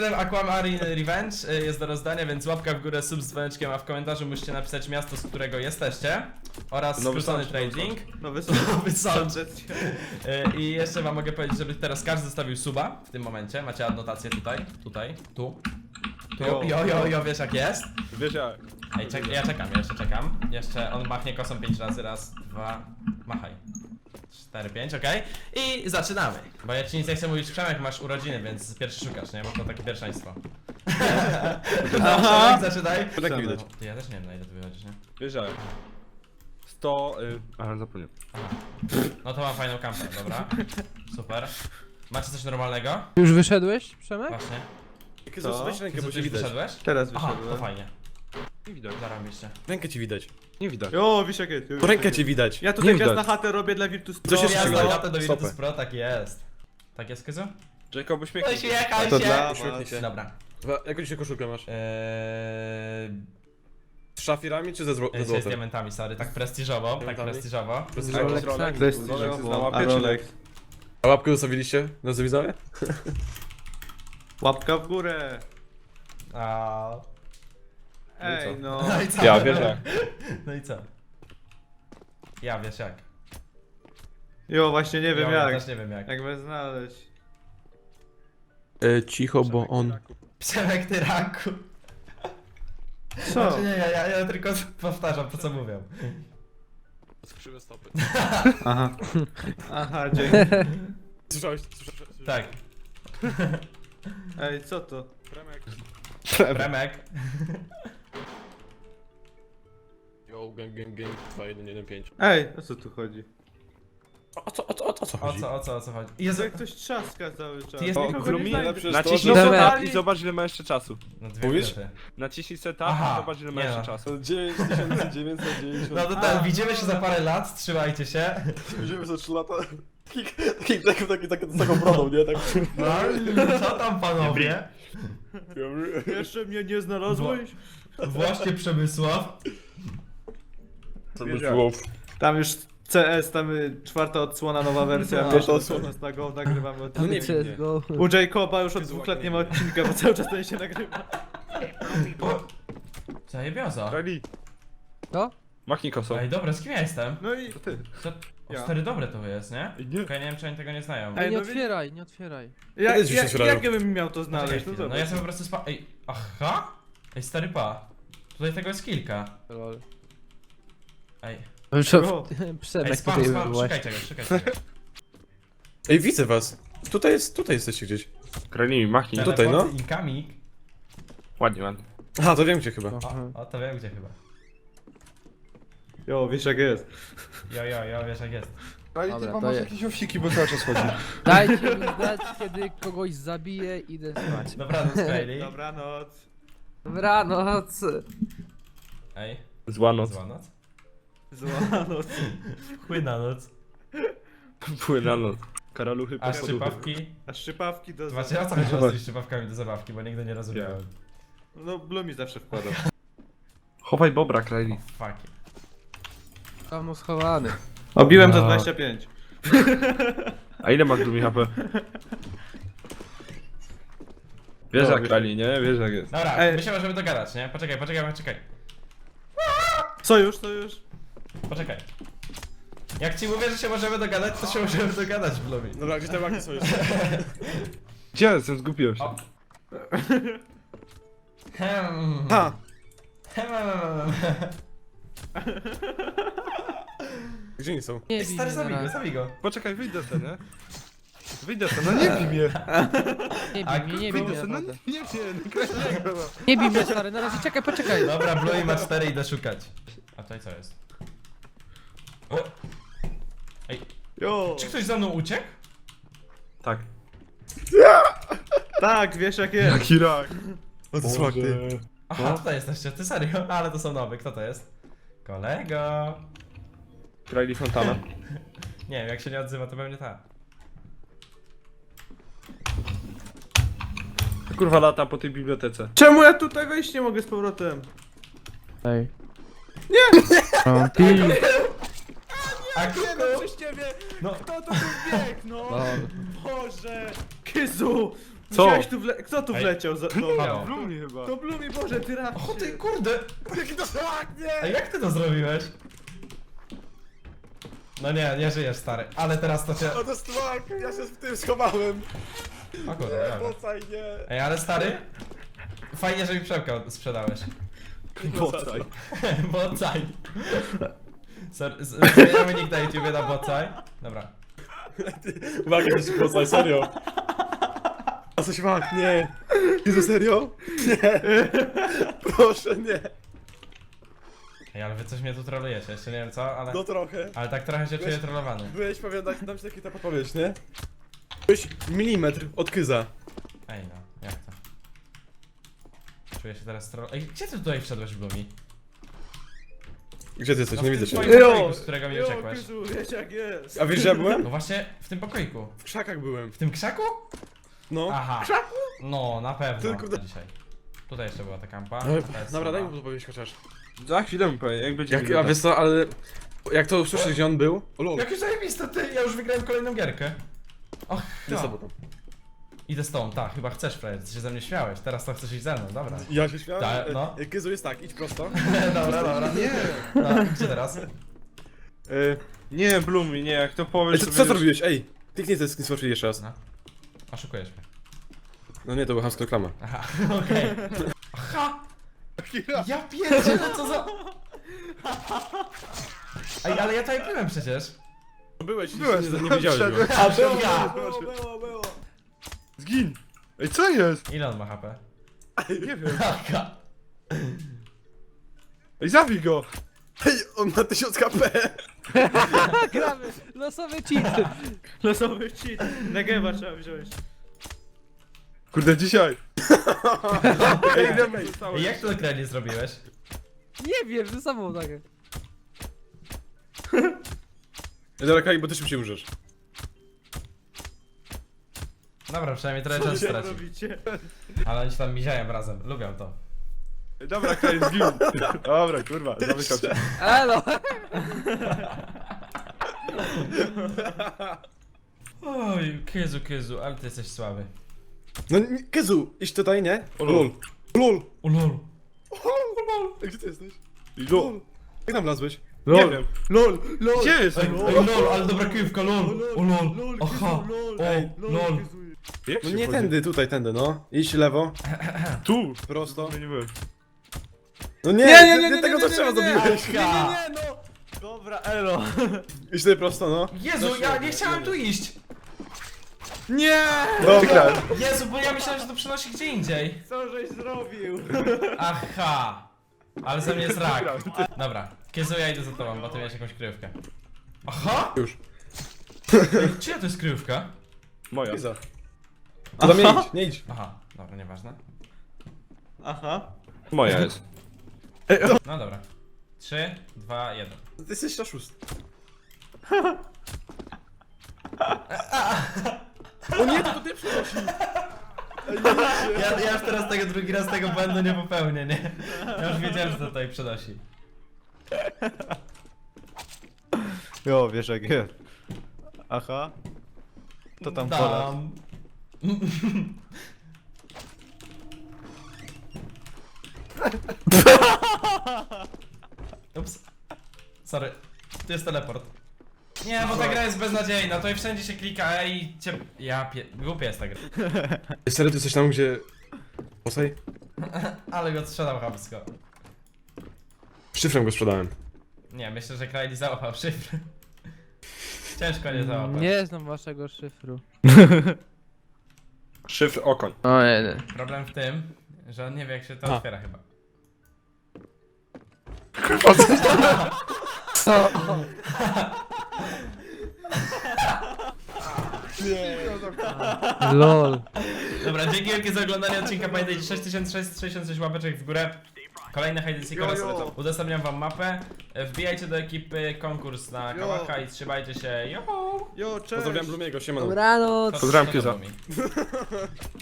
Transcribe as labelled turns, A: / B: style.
A: Aquamarine Revenge jest do rozdania, więc łapka w górę, sub z dzwoneczkiem, a w komentarzu musicie napisać miasto, z którego jesteście oraz skrócony trading.
B: Nowy
A: Nowy sąd. I jeszcze wam mogę powiedzieć, żeby teraz każdy zostawił suba w tym momencie. Macie adnotację tutaj, tu. Jo, wiesz jak jest?
C: Wiesz jak?
A: Ej, ja czekam. Jeszcze on machnie kosą 5 razy, raz, dwa, machaj. 4, 5, okej. I zaczynamy. Bo ja ci nic nie chcę mówić, Przemek, masz urodziny, więc pierwszy szukasz, nie? Bo to takie pierwszeństwo. Aha. Przemek, zaczynaj.
C: Tak nie widać.
A: Ty, ja też nie wiem, na ile ty wychodzisz, nie?
C: Wiesz jak? 100... Ale zapomniałem.
A: No to mam fajną kampę, dobra. Super. Macie coś normalnego?
D: Już wyszedłeś, Przemek?
A: Właśnie.
C: Jak
B: Co?
C: weź rękę,
A: Ty
C: bo cię
A: już
C: widać.
A: wyszedłeś?
B: Teraz
A: Aha, to
B: wyszedłem.
A: fajnie.
C: Nie widać.
A: Zarobiście.
C: Rękę ci widać. Nie widać.
B: Jo, wiesz jak jest.
C: To rękę ci widać.
B: Ja
C: nie
B: tutaj gwiazd
C: widać.
B: na chatę robię dla Virtus
C: Co
B: Pro.
C: się
A: Ja
C: strzela?
A: znam latę do
C: Stopę.
A: Virtus Pro, tak jest. Tak jest, Kyzu?
C: Jacob, uśmiechnij się.
A: Uśmiechaj
B: To
A: się!
B: dla
C: Uśmiechnij
B: was.
C: się.
A: Dobra.
C: Jaką dzisiaj koszulkę masz? Z szafirami czy ze
A: Z
C: złotem?
A: diamentami, sorry, tak prestiżowo,
C: Diamentami?
A: prestiżowo.
D: Rolexami.
B: Prestiżowo, a Rolex.
C: A łapkę zostawiliście? No co widzowie?
B: Łapka w górę.
A: A.
B: Ej, no.
A: No i co?
C: Ja, wiesz jak.
A: No i co? Ja wiesz jak.
B: Jo, właśnie nie wiem
A: Ja
B: jak.
A: też nie wiem jak.
B: Jak by znaleźć.
C: Cicho, bo on...
A: Przemek ty raku.
B: Co?
A: Znaczy nie, ja tylko powtarzam to co mówią.
C: Skrzywe stopy.
B: Aha. Aha, dzięki.
C: Słyszałeś?
A: Tak.
B: Ej, co to?
A: Premek.
C: Yo, gang, 2115.
B: Ej, o co tu chodzi?
C: O co
A: O co chodzi?
B: Jezu,
A: Jezu,
B: jak ktoś trzaska cały czas.
A: Ty jest nikogo
B: Nikogo
A: nie
B: nie
A: znajdę.
B: znajdę.
C: Naciśnij
D: że-
C: setup i zobacz ile ma jeszcze czasu.
A: no 2
C: Mówisz?
A: minuty.
C: Naciśnij setup
A: Aha,
C: i zobacz ile ma
A: nie
C: jeszcze
A: no.
C: czasu.
E: 9990.
A: No to ten, widzimy się za parę lat, trzymajcie się.
E: Widzimy za 3 lata. Z taką brodą, nie? Tak.
A: No, co tam panowie?
B: Jeszcze mnie nie znalazłeś?
A: Właśnie Przemysław.
C: To
B: Wiesz
C: był
B: Tam już CS, tam czwarta odsłona, nowa wersja.
A: No,
B: Pierwsza
E: to
B: odsłona z Go, nagrywamy
C: No
B: odcinek.
C: nie wiem.
D: CSGO.
B: U Jacoba już od 2 lat nie ma odcinka, bo cały czas ten się nagrywa.
A: Zajebioza.
C: Rally.
D: Co?
C: Machnij kosą.
A: Ej, dobra, z kim ja jestem?
B: No i...
C: ty.
A: Co? O,
B: Ja.
A: stary, dobre to jest, nie?
C: Nie.
A: Okej, nie wiem, czy oni tego nie znają.
B: Ej,
D: Nie
B: no
D: otwieraj, nie otwieraj.
B: Jak,
C: Kiedyś się otwierają.
B: jak ja bym miał to
A: Poczekaj
B: znaleźć? No
A: chwilę, no
B: zobacz.
A: ja sobie po prostu Ej, aha? Ej, stary pa. Tutaj tego jest kilka.
D: Lol.
A: Ej,
B: O.
A: ej,
D: Przemek
A: spam,
D: tutaj
A: spam,
D: byłeś.
A: szukajcie go.
C: Ej, widzę was. Tutaj jesteście gdzieś. Kralimi, machnij.
A: Teleport
C: Tutaj, no.
A: incoming.
C: Ładnie, ładnie. Aha, to wiem gdzie chyba.
A: O, to wiem gdzie chyba.
B: Jo, wiesz jak jest.
A: Jo, wiesz jak jest.
E: Ale ty
D: Dobra,
E: mam
D: to
E: masz
D: je-
E: jakieś owsiki, bo cały czas chodzi.
D: Dajcie mi znać, kiedy kogoś zabiję, idę spać.
A: Dobranoc, Kylie.
B: Dobranoc.
D: Dobranoc.
A: Ej,
C: Zła noc.
A: zła noc.
B: Zła noc.
A: Chłyna noc.
C: Płyna noc. Karaluchy
A: A
C: pod
A: szczypawki.
B: A szczypawki do...
A: Zobaczcie, o co chodziło z tymi szczypawkami do zabawki, bo nigdy nie rozumiałem.
B: No, Blumi zawsze wkładał.
C: Chowaj bobra, Krali.
A: Fuck it.
D: Dawno schowany.
B: Obiłem za
C: No.
B: 25.
C: A ile masz Gloomy HP? Wiesz
B: No,
C: jak
B: wiesz-
C: Krali, nie? Wiesz jak jest.
A: Dobra,
B: Ej.
A: my się możemy dogadać, nie? Poczekaj.
B: Sojusz.
A: Poczekaj. Jak ci mówię, że się możemy dogadać, to się możemy dogadać, Blumi.
C: Dobra, gdzie te łaki są jeszcze? Gdzie jestem? Zgubiłem się.
A: O. Hmm.
C: Ha! Gdzie oni są?
D: Nie
A: Ej,
D: bij
A: stary,
D: mnie na razie.
A: zabij go.
C: Poczekaj, wyjdę ten, nie? Wyjdę ten, no nie bij mnie!
D: Nie bij mnie,
C: Wyjdę ten, no
D: naprawdę.
C: nie Kraliego, no.
D: Nie bij mnie, stary, na razie czekaj, poczekaj.
A: Dobra, Blumi ma 4, idę szukać. A tutaj co jest? O!
B: Jo.
A: Czy ktoś za mną uciekł?
C: Tak.
B: Tak, wiesz jak jest.
C: Jaki rak!
E: Odsłak ty.
A: Aha, tutaj jesteście, ty serio? Ale to są nowe, kto to jest? Kolego.
C: Krali Fontana.
A: Nie wiem, jak się nie odzywa, to pewnie ta.
C: Kurwa lata po tej bibliotece.
B: Czemu ja tutaj wejść nie mogę z powrotem?
D: Ej. Nie!
A: A
B: Nie
A: kuku!
B: no, przez ciebie!
A: No.
B: Kto to tu biegł, no?
D: Lol.
B: Boże! Kyzu!
E: Co?
B: Kto tu
A: Ej.
B: wleciał?
A: Halo.
E: Blumi chyba.
B: To Blumi, Boże, ty raz.
A: O ty kurde!
E: Jaki to szlak, nie!
A: A jak ty to zrobiłeś? No nie żyjesz stary, ale teraz to cię...
E: O, to jest szlak, ja się w tym schowałem.
A: O kurde, dobra.
E: Bocaj, nie.
A: Ej, ale stary? Fajnie, że mi przemkę sprzedałeś.
E: Bocaj.
A: Bocaj. Zmieniamy nick na YouTubie na Bocaj. Dobra.
E: Uwaga, to się bocaj, serio. A coś mak, nie. Jezu, serio? Nie. Proszę, nie.
A: Ej, ale wy coś mnie tu trolujecie, jeszcze nie wiem co, ale...
E: No trochę.
A: Ale tak trochę się czuję trollowany.
E: Byłeś pewien, dam ci taki ta podpowiedź, nie? Byłeś milimetr od kyza.
A: Ej no, jak to? Czuję się teraz troll... Ej, gdzie ty tutaj wszedłeś, Blumi?
C: Gdzie ty jesteś?
A: No,
C: Nie
A: w
C: widzę
A: tym
C: cię.
A: twoim pokoiku, z którego mi uciekłeś.
B: Jezu, wiesz jak jest.
E: A wiesz, że ja byłem?
A: No właśnie, w tym pokoiku.
E: W krzakach byłem.
A: W tym krzaku?
E: No.
A: Aha. No, na pewno.
E: Tylko da-
A: Dzisiaj. Tutaj jeszcze była ta kampa.
C: No,
A: ta jest
C: dobra, daj
A: słaba.
C: mu podpowiedź chociaż.
B: Za chwilę mi powiem, jak będzie
C: A wiesz co, ale... Jak to usłyszysz, gdzie on był? O lol.
A: Jakie zajebiste, ty! Ja już wygrałem kolejną gierkę. Och,
C: Ty
A: no.
C: sobą tam.
A: Idę z tobą, tak, chyba chcesz, Fred, ty się ze mnie śmiałeś, teraz to chcesz iść ze mną, dobra.
E: Ja się śmiałem.
A: Tak, no.
E: Kyzu jest tak, idź prosto.
A: Dobra. Nie! No, gdzie teraz?
B: Nie, Blumi, nie, jak to
C: Ej,
B: powiesz,
C: co,
B: to
C: co
B: będziesz-
C: zrobiłeś? Ej! Kliknij ten screenshot jeszcze raz.
A: No. Oszukujesz mnie.
C: No nie, to była chamska reklama.
A: Aha, okej. Aha! Ja pierdzielę, co za... Ej, ale ja tutaj byłem przecież.
E: Byłeś,
C: Nie wiedziałeś go.
A: A, ja!
E: było.
B: Zgin! Ej, co jest?
A: Ile on ma HP?
B: Nie wiem.
A: Aha.
B: Ej, zabij go!
E: Hej, on ma 1000 HP.
D: Gramy! Losowy cheat!
B: Losowy cheat. Negewa trzeba wziąć.
E: Kurde, dzisiaj.
B: Ej, idziemy.
A: Ej, jak to kręgli zrobiłeś?
D: Nie wiem, ze sobą tak.
C: Dobra, Kali, bo ty szybciej umrzesz.
A: Dobra, przynajmniej trochę czasu straci.
B: robicie?
A: Ale oni się tam miziają razem, lubią to.
B: Dobra, Kaj, zgin. Dobra, kurwa, zamykam się.
D: Elo!
A: Oj, Kyzu, ale ty jesteś słaby.
E: No, Kyzu, idź tutaj, nie? Lol. Lol.
A: Ulol.
E: Gdzie ty jesteś?
B: Lol.
E: Jak tam wlazłeś?
B: Nie wiem. LOL, LOL. Gdzie jest?
A: Ej, lol, ale dobra kryjówka, lol. O lol. Aha. O, lol.
B: Jak
E: No
B: się
E: nie
B: wchodzi?
E: tędy, tutaj, tędy, no. Idź lewo,
B: Tu.
E: prosto.
B: Nie byłem.
E: No nie, tego co trzeba zrobiłeś.
A: Aha.
B: no. Dobra, elo.
E: Idź tutaj prosto, no.
A: Jezu, ja nie chciałem tu iść.
B: Nie!
E: Dobra.
A: Jezu, bo ja myślałem, że to przenosi gdzie indziej.
B: Co żeś zrobił?
A: Aha. Ale ze mnie jest rak. Dobra, Kyzu, ja idę za tobą, bo ty miałeś jakąś kryjówkę. Aha!
C: Już.
A: Ej, czyja to jest kryjówka?
B: Moja.
E: Kyza. To tam nie idź, nie idź.
A: Aha, dobra, nieważne.
B: Aha. Moja jest.
A: No dobra. 3, 2, 1.
E: Ty jesteś na szóst. O nie, to ty przynosi.
A: Ja już teraz tego drugi raz tego błędu nie popełnię, nie? Ja już wiedziałem, że to tutaj przenosi.
B: Jo, wiesz jak jest. Aha. To tam pola.
A: Dam. Ups. Sorry. Tu jest teleport. Nie, bo ta gra jest beznadziejna. Tutaj wszędzie się klika i cię... Głupia jest ta gra.
C: Serio, ty jesteś tam, gdzie... Posaj?
A: Ale go sprzedał chamsko.
C: Szyfrem go sprzedałem.
A: Nie, myślę, że Kraili załapał szyfr. Ciężko nie załapać.
D: Nie znam waszego szyfru.
B: Szyfr okoń.
D: O nie.
A: Problem w tym, że on nie wie jak się to
C: A.
A: otwiera chyba.
D: LOL.
A: Dobra, dzięki wielkie za oglądanie odcinka. Pamiętajcie, 6666 łapeczek w górę. Kolejne hide and seek oraz udostępniam wam mapę. Wbijajcie do ekipy konkurs na Kałacha i trzymajcie się. Yo!
E: Jo, cześć. Pozdrawiam Blumiego, siemano.
D: Dobranoc.
A: To-
B: Pozdrawiam
A: to
B: Kyza.
A: było mi.